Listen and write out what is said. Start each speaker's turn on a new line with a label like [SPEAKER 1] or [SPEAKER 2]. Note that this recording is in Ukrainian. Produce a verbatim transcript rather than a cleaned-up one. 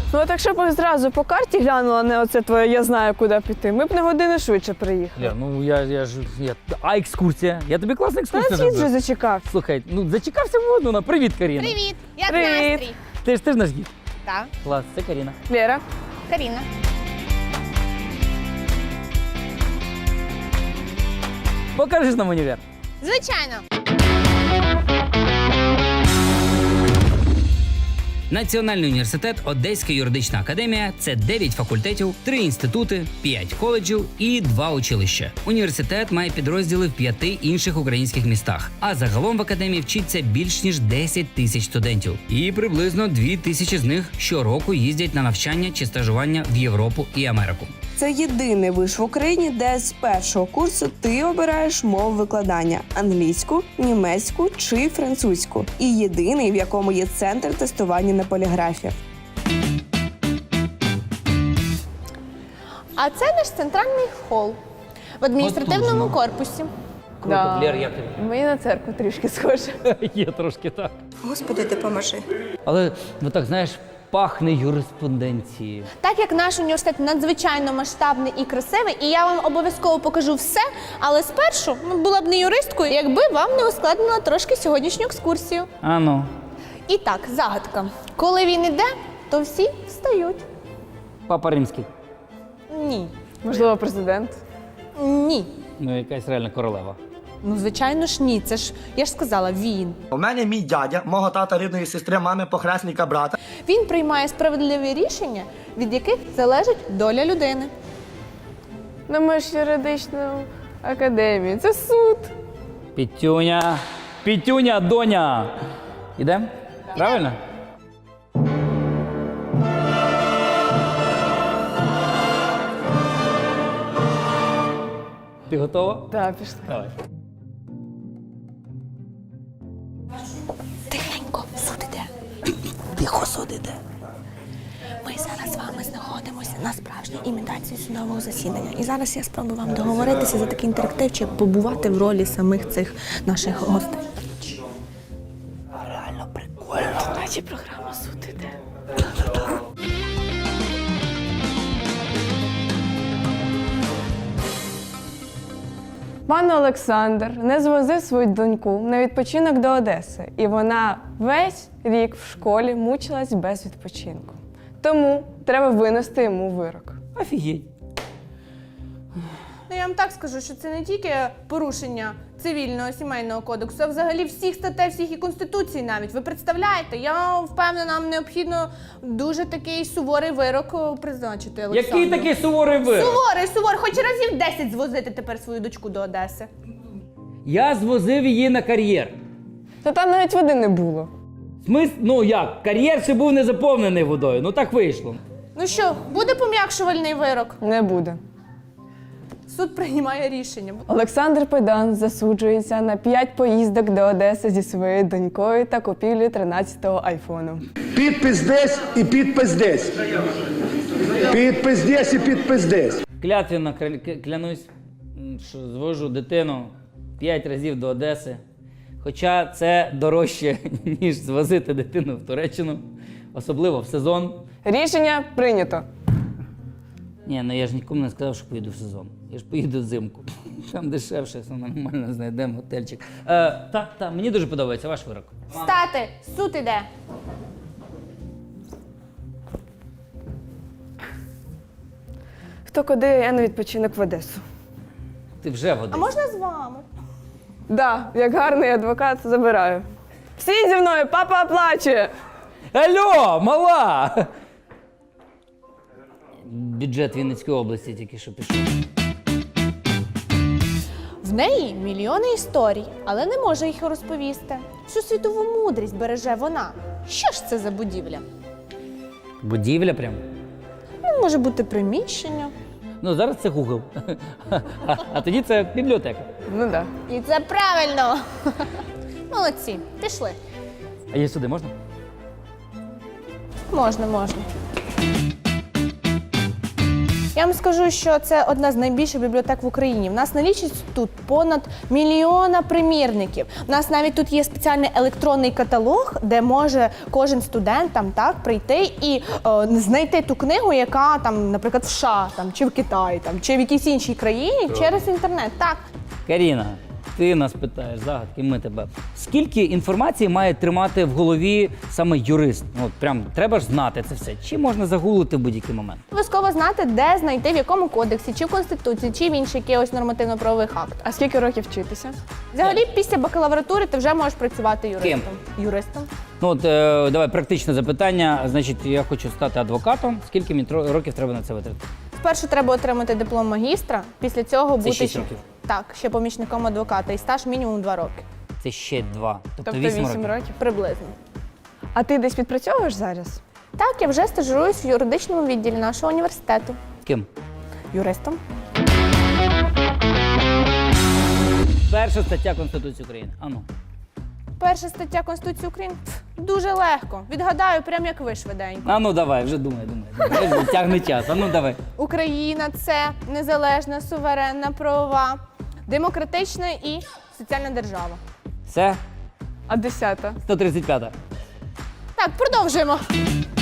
[SPEAKER 1] Ну от якщо б зразу по карті глянула, не оце твоє «я знаю, куди піти», ми б на годину швидше приїхали.
[SPEAKER 2] Ля, ну я, я ж... Я... А екскурсія? Я тобі класна
[SPEAKER 1] Та
[SPEAKER 2] екскурсія
[SPEAKER 1] світ вже
[SPEAKER 2] зробив.
[SPEAKER 1] зачекав.
[SPEAKER 2] Слухай, ну зачекався водно на. Привіт, Каріна.
[SPEAKER 3] Привіт! Як
[SPEAKER 1] Привіт.
[SPEAKER 3] настрій?
[SPEAKER 2] Ти ж ти ж наш гід.
[SPEAKER 3] Так,
[SPEAKER 2] Клас, це Каріна.
[SPEAKER 1] Лєра.
[SPEAKER 3] Каріна.
[SPEAKER 2] Покажеш нам універ?
[SPEAKER 3] Звичайно.
[SPEAKER 4] Національний університет Одеська юридична академія – це дев'ять факультетів, три інститути, п'ять коледжів і два училища. Університет має підрозділи в п'яти інших українських містах, а загалом в академії вчиться більш ніж десять тисяч студентів. І приблизно дві тисячі з них щороку їздять на навчання чи стажування в Європу і Америку.
[SPEAKER 5] Це єдиний виш в Україні, де з першого курсу ти обираєш мову викладання – англійську, німецьку чи французьку. І єдиний, в якому є центр тестування на поліграфі.
[SPEAKER 3] А це наш центральний хол в адміністративному
[SPEAKER 2] Потужно.
[SPEAKER 3] корпусі.
[SPEAKER 2] Круто,
[SPEAKER 1] Да.
[SPEAKER 2] Лєр, як тобі?
[SPEAKER 1] Мені на церкву трішки схоже.
[SPEAKER 2] Є трошки так.
[SPEAKER 5] Господи, допоможи.
[SPEAKER 2] Але, ну так, знаєш, пахне юриспонденцією.
[SPEAKER 3] Так як наш університет надзвичайно масштабний і красивий, і я вам обов'язково покажу все, але спершу ну, була б не юристкою, якби вам не ускладнила трошки сьогоднішню екскурсію.
[SPEAKER 2] А ну.
[SPEAKER 3] І так, загадка. Коли він іде, то всі встають.
[SPEAKER 2] Папа Римський.
[SPEAKER 3] Ні.
[SPEAKER 1] Можливо, президент.
[SPEAKER 3] Ні.
[SPEAKER 2] Ну, якась реальна королева.
[SPEAKER 3] Ну, звичайно ж, ні. Це ж, я ж сказала, він.
[SPEAKER 6] У мене мій дядя, мого тата рідної сестри, мами похресника брата.
[SPEAKER 3] Він приймає справедливі рішення, від яких залежить доля людини.
[SPEAKER 1] Ну ми ж юридичну академію. Це суд.
[SPEAKER 2] Пітюня. Пітюня, доня. Ідем? Правильно? Ти готова?
[SPEAKER 1] Так, пішли.
[SPEAKER 2] Давай.
[SPEAKER 3] Тихенько, судите.
[SPEAKER 2] Тихо судите.
[SPEAKER 3] Ми зараз з вами знаходимося на справжній імітації судового засідання. І зараз я спробую вам договоритися за такий інтерактив, чи побувати в ролі самих цих наших гостей.
[SPEAKER 2] Реально прикольно.
[SPEAKER 1] Наче програма «Суд» іде. Пан Олександр не звозив свою доньку на відпочинок до Одеси, і вона весь рік в школі мучилась без відпочинку. Тому треба винести йому вирок.
[SPEAKER 2] Офігеть.
[SPEAKER 3] Ну, я вам так скажу, що це не тільки порушення цивільного сімейного кодексу, а взагалі всіх статей, всіх і конституцій навіть. Ви представляєте, я впевнена, нам необхідно дуже такий суворий вирок призначити Олександру.
[SPEAKER 2] Який такий суворий вирок?
[SPEAKER 3] Суворий, суворий. Хоч разів десять звозити тепер свою дочку до Одеси.
[SPEAKER 2] Я звозив її на кар'єр.
[SPEAKER 1] Та там навіть води не було.
[SPEAKER 2] Смис... Ну як, кар'єр ще був не заповнений водою, ну так вийшло.
[SPEAKER 3] Ну що, буде пом'якшувальний вирок?
[SPEAKER 1] Не буде.
[SPEAKER 3] Суд приймає рішення.
[SPEAKER 1] Олександр Педан засуджується на п'ять поїздок до Одеси зі своєю донькою та купівлю тринадцятого айфону.
[SPEAKER 7] Підпис десь і підпис десь. Підпис десь і підпис десь.
[SPEAKER 2] Клятвенно кля- клянусь, м, що звожу дитину п'ять разів до Одеси. Хоча це дорожче, ніж звозити дитину в Туреччину, особливо в сезон.
[SPEAKER 1] Рішення прийнято.
[SPEAKER 2] Ні, ну я ж нікому не сказав, що поїду в сезон. Я ж поїду взимку. Там дешевше, все нормально, знайдемо готельчик. Е, так, так, мені дуже подобається ваш вирок.
[SPEAKER 3] Стати, суд іде.
[SPEAKER 1] Хто куди, я на відпочинок в Одесу.
[SPEAKER 2] Ти вже в
[SPEAKER 3] А
[SPEAKER 2] Одесі.
[SPEAKER 3] можна з вами?
[SPEAKER 1] Да, як гарний адвокат, забираю. Всі зі мною, папа оплачує.
[SPEAKER 2] Алло, мала! Бюджет Вінницької області тільки що пішов.
[SPEAKER 3] В неї мільйони історій, але не може їх розповісти. Всю світову мудрість береже вона. Що ж це за будівля?
[SPEAKER 2] Будівля прям.
[SPEAKER 3] Ну, може бути приміщення.
[SPEAKER 2] Ну, зараз це Google. А, а тоді це бібліотека.
[SPEAKER 1] Ну так. Да.
[SPEAKER 3] І це правильно. Молодці, пішли.
[SPEAKER 2] А її сюди можна?
[SPEAKER 3] Можна, можна. Я вам скажу, що це одна з найбільших бібліотек в Україні. В нас налічить тут понад мільйона примірників. У нас навіть тут є спеціальний електронний каталог, де може кожен студент там так прийти і е, знайти ту книгу, яка там, наприклад, в США там чи в Китаї, там чи в якійсь іншій країні через інтернет. Так.
[SPEAKER 2] Каріна, ти нас питаєш загадки, ми тебе. Скільки інформації має тримати в голові саме юрист? Ну, от прям треба ж знати це все. Чи можна загуглити в будь-який момент?
[SPEAKER 3] Обов'язково знати, де знайти, в якому кодексі, чи в Конституції, чи в інших якихось нормативно-правових актах.
[SPEAKER 1] А скільки років вчитися?
[SPEAKER 3] Взагалі, після бакалавратури ти вже можеш працювати юристом.
[SPEAKER 2] Ким?
[SPEAKER 3] Юристом.
[SPEAKER 2] Ну от е, давай практичне запитання. Значить, я хочу стати адвокатом. Скільки мені тро- років треба на це витратити?
[SPEAKER 3] Спершу треба отримати диплом магістра, після цього бути
[SPEAKER 2] шість
[SPEAKER 3] ще-
[SPEAKER 2] років?
[SPEAKER 3] Так, ще помічником адвоката і стаж мінімум два роки.
[SPEAKER 2] Це ще два. Тобто,
[SPEAKER 1] Тобто
[SPEAKER 2] вісім
[SPEAKER 1] вісім
[SPEAKER 2] років.
[SPEAKER 1] років.
[SPEAKER 3] Приблизно.
[SPEAKER 1] А ти десь відпрацьовуєш зараз?
[SPEAKER 3] Так, я вже стажуюсь в юридичному відділі нашого університету.
[SPEAKER 2] Ким?
[SPEAKER 3] Юристом.
[SPEAKER 2] Перша стаття Конституції України. Ану.
[SPEAKER 3] Перша стаття Конституції України. Пф, дуже легко. Відгадаю, прям як ви швиденько.
[SPEAKER 2] Ану, давай, вже думай, думай. думай. Тягне час. Ану, давай.
[SPEAKER 3] Україна це незалежна, суверенна, правова, демократична і соціальна держава.
[SPEAKER 2] Все?
[SPEAKER 1] А десята?
[SPEAKER 2] сто тридцять п'ята.
[SPEAKER 3] Так, продовжуємо.